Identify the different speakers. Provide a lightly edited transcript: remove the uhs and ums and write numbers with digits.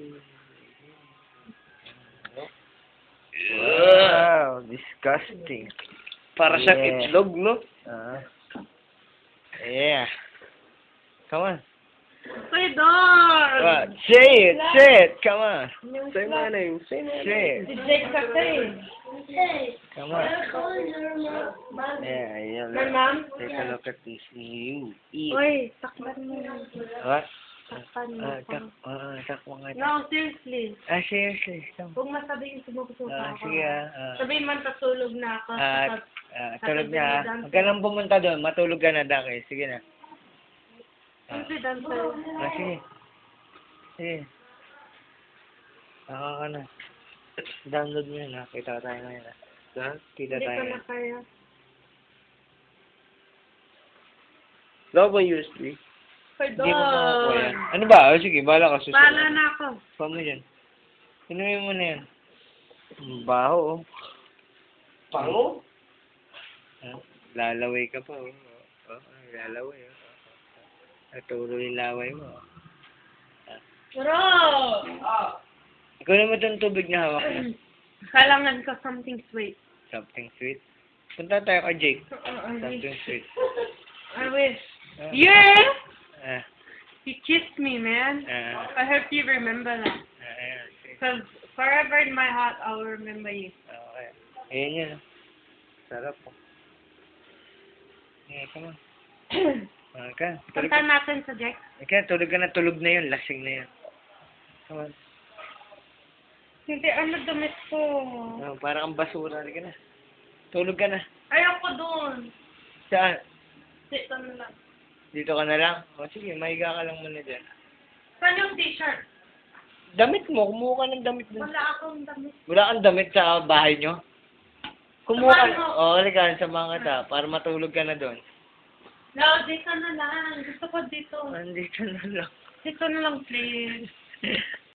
Speaker 1: Wow, disgusting.
Speaker 2: Para siyang itlog, no?
Speaker 1: Yeah. Come on.
Speaker 3: Say dog!
Speaker 1: What? Say it, come on.
Speaker 2: Say my name, say my name.
Speaker 1: Say it,
Speaker 3: Si Jake kasi.
Speaker 1: come on. Yeah, yeah.
Speaker 3: My mom?
Speaker 1: Take a look at this. You eat.
Speaker 3: Uy, takpan mo.
Speaker 1: What?
Speaker 3: Takpan mo.
Speaker 1: Takmo nga.
Speaker 3: No, seriously.
Speaker 1: Seriously. Come.
Speaker 3: Huwag masabihin sumusuka ako.
Speaker 1: Sige
Speaker 3: Sabihin man patulog na ako.
Speaker 1: tulog na. Huwag ka nang pumunta doon. Matulog ka na, Daki. Sige na.
Speaker 3: Sige, dancer.
Speaker 1: Sige. Sige. Naka ka na. Download mo yun, ha? Kita tayo ngayon, ha? Kita
Speaker 3: Hindi
Speaker 1: tayo.
Speaker 3: ko na kaya.
Speaker 2: Wala ba USB?
Speaker 3: Say
Speaker 1: Hindi mo makakuha yan.
Speaker 3: dog!
Speaker 1: Ano ba? Sige, bahala ka susunod.
Speaker 3: Bahala na ako.
Speaker 1: Pa mo dyan. Inumin mo na yan. Baho, oh.
Speaker 2: Pango?
Speaker 1: Lalaway ka pa, oh. Lalaway, oh. Naturo yung laway mo.
Speaker 3: Bro!
Speaker 1: Ikaw naman itong tubig na hawak mo.
Speaker 3: Kailangan ko something sweet.
Speaker 1: Something sweet. Punta tayo kay Jake. Something sweet.
Speaker 3: I wish. Yeah!
Speaker 1: Ah,
Speaker 3: You kissed me, man. I hope you remember that.
Speaker 1: ayan. Sige.
Speaker 3: Because forever in my heart, I'll remember you.
Speaker 1: Okay. Ayan yun. Sarap po. Yeah, come on. Okay.
Speaker 3: Punta natin sa Jack.
Speaker 1: Okay, tulog ka na. Tulog na yun. Lasing na yun. Come on.
Speaker 3: Hindi, ano damit ko?
Speaker 1: Oh, parang ang basura. Halika na. Tulog ka na.
Speaker 3: Ayoko doon.
Speaker 1: Saan?
Speaker 3: Dito na lang.
Speaker 1: Dito ka na lang? O sige, mahiga ka lang muna dyan.
Speaker 3: Saan yung t-shirt?
Speaker 1: Damit mo. Kumuha ka ng damit mo.
Speaker 3: Wala akong damit.
Speaker 1: Wala kang damit sa bahay nyo? Kumuha ka.
Speaker 3: Samahan mo.
Speaker 1: Oo, halika. Samahan ka ta. Para matulog ka na doon.
Speaker 3: No, dito na lang. Gusto ko dito.
Speaker 1: Andito na lang.
Speaker 3: Dito na lang, please.